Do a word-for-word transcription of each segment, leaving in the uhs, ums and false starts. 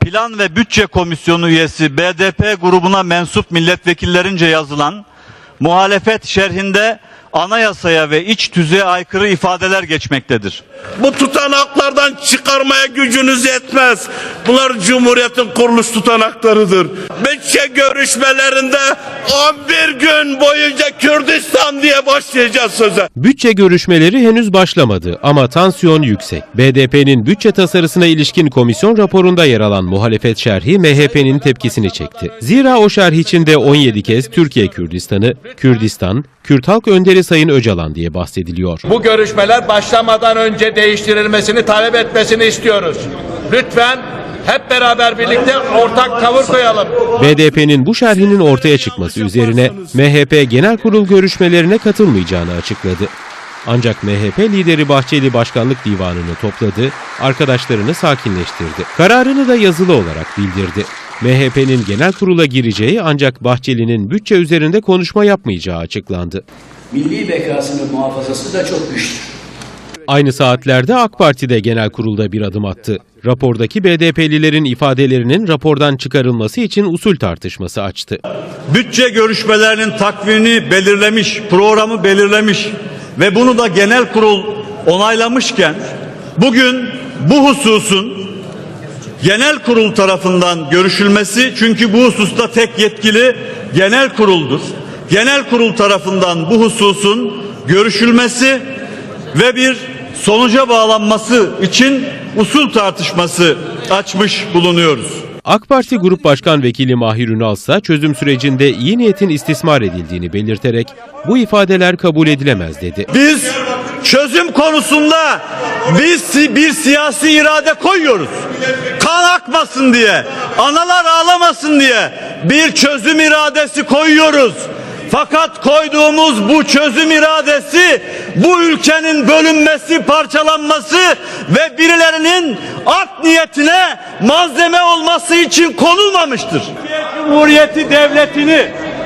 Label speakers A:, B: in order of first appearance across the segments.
A: Plan ve Bütçe Komisyonu üyesi B D P grubuna mensup milletvekillerince yazılan muhalefet şerhinde anayasaya ve iç tüzüğe aykırı ifadeler geçmektedir.
B: Bu tutanaklardan çıkarmaya gücünüz yetmez. Bunlar Cumhuriyet'in kuruluş tutanaklarıdır. Bütçe görüşmelerinde on bir gün boyunca Kürdistan diye başlayacağız söze.
C: Bütçe görüşmeleri henüz başlamadı ama tansiyon yüksek. B D P'nin bütçe tasarısına ilişkin komisyon raporunda yer alan muhalefet şerhi M H P'nin tepkisini çekti. Zira o şerh içinde on yedi kez Türkiye Kürdistan'ı, Kürdistan, Kürt Halk Önderi Sayın Öcalan diye bahsediliyor.
D: Bu görüşmeler başlamadan önce değiştirilmesini talep etmesini istiyoruz. Lütfen hep beraber birlikte ortak tavır koyalım.
C: B D P'nin bu şerhinin ortaya çıkması üzerine M H P Genel Kurul görüşmelerine katılmayacağını açıkladı. Ancak M H P lideri Bahçeli Başkanlık Divanı'nı topladı, arkadaşlarını sakinleştirdi. Kararını da yazılı olarak bildirdi. M H P'nin genel kurula gireceği ancak Bahçeli'nin bütçe üzerinde konuşma yapmayacağı açıklandı.
E: Milli bekasının muhafazası da çok güçlü.
C: Aynı saatlerde AK Parti de genel kurulda bir adım attı. Rapordaki B D P'lilerin ifadelerinin rapordan çıkarılması için usul tartışması açtı.
A: Bütçe görüşmelerinin takvimini belirlemiş, programı belirlemiş ve bunu da genel kurul onaylamışken bugün bu hususun genel kurul tarafından görüşülmesi, çünkü bu hususta tek yetkili genel kuruldur. Genel kurul tarafından bu hususun görüşülmesi ve bir sonuca bağlanması için usul tartışması açmış bulunuyoruz.
C: AK Parti Grup Başkan Vekili Mahir Ünal ise çözüm sürecinde iyi niyetin istismar edildiğini belirterek bu ifadeler kabul edilemez dedi.
A: Biz çözüm konusunda biz bir siyasi irade koyuyoruz. Kan akmasın diye, analar ağlamasın diye bir çözüm iradesi koyuyoruz. Fakat koyduğumuz bu çözüm iradesi bu ülkenin bölünmesi, parçalanması ve birilerinin art niyetine malzeme olması için konulmamıştır. Cumhuriyeti devletini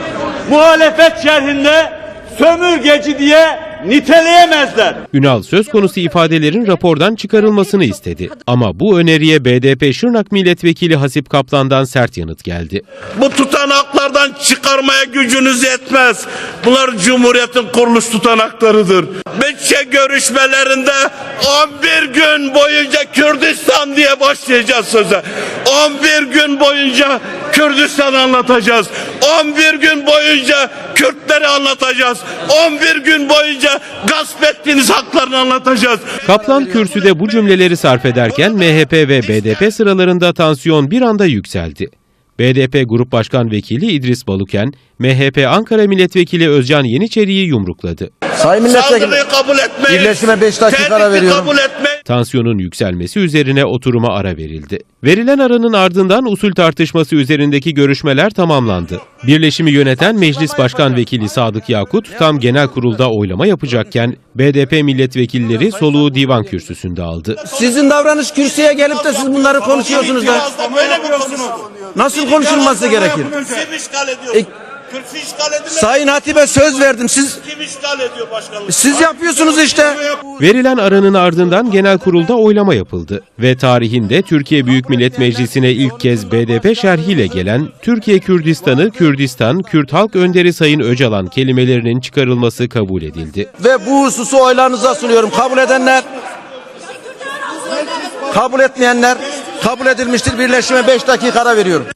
A: muhalefet şerhinde sömürgeci diye niteleyemezler.
C: Ünal söz konusu ifadelerin rapordan çıkarılmasını istedi. Ama bu öneriye B D P Şırnak Milletvekili Hasip Kaplan'dan sert yanıt geldi.
B: Bu tutanaklardan çıkarmaya gücünüz yetmez. Bunlar Cumhuriyet'in kuruluş tutanaklarıdır. Bütçe görüşmelerinde on bir gün boyunca Kürdistan diye başlayacağız söze. on bir gün boyunca Kürdistan'ı anlatacağız. on bir gün boyunca Kürtleri anlatacağız. on bir gün boyunca gasp ettiğiniz haklarını anlatacağız.
C: Kaplan kürsüde bu cümleleri sarf ederken M H P ve B D P sıralarında tansiyon bir anda yükseldi. B D P Grup Başkan Vekili İdris Baluken, M H P Ankara Milletvekili Özcan Yeniçeri'yi yumrukladı.
F: Sayın Milletvekili,
B: kabul etmeyin.
F: birleşime beş dakika ara veriyorum.
B: Kabul etmeyin.
C: Tansiyonun yükselmesi üzerine oturuma ara verildi. Verilen aranın ardından usul tartışması üzerindeki görüşmeler tamamlandı. Birleşimi yöneten Meclis Başkan Vekili Sadık Yakut tam genel kurulda oylama yapacakken B D P milletvekilleri soluğu divan kürsüsünde aldı.
F: Sizin davranış kürsüye gelip de siz bunları konuşuyorsunuz da nasıl konuşulması gerekir?
B: Kim işgal ediyor?
F: E,
B: Kürsü işgal edilmez.
F: Sayın Hatip'e söz verdim. Siz
B: Kim işgal ediyor başkanlık?
F: siz yapıyorsunuz işte.
C: Verilen aranın ardından genel kurulda oylama yapıldı ve tarihinde Türkiye Büyük Millet Meclisi'ne ilk kez B D P şerhiyle gelen Türkiye Kürdistan'ı Kürdistan, Kürt Halk Önderi Sayın Öcalan kelimelerinin çıkarılması kabul edildi.
F: Ve bu hususu oylarınıza sunuyorum. Kabul edenler, kabul etmeyenler kabul edilmiştir. Birleşime beş dakika ara veriyorum.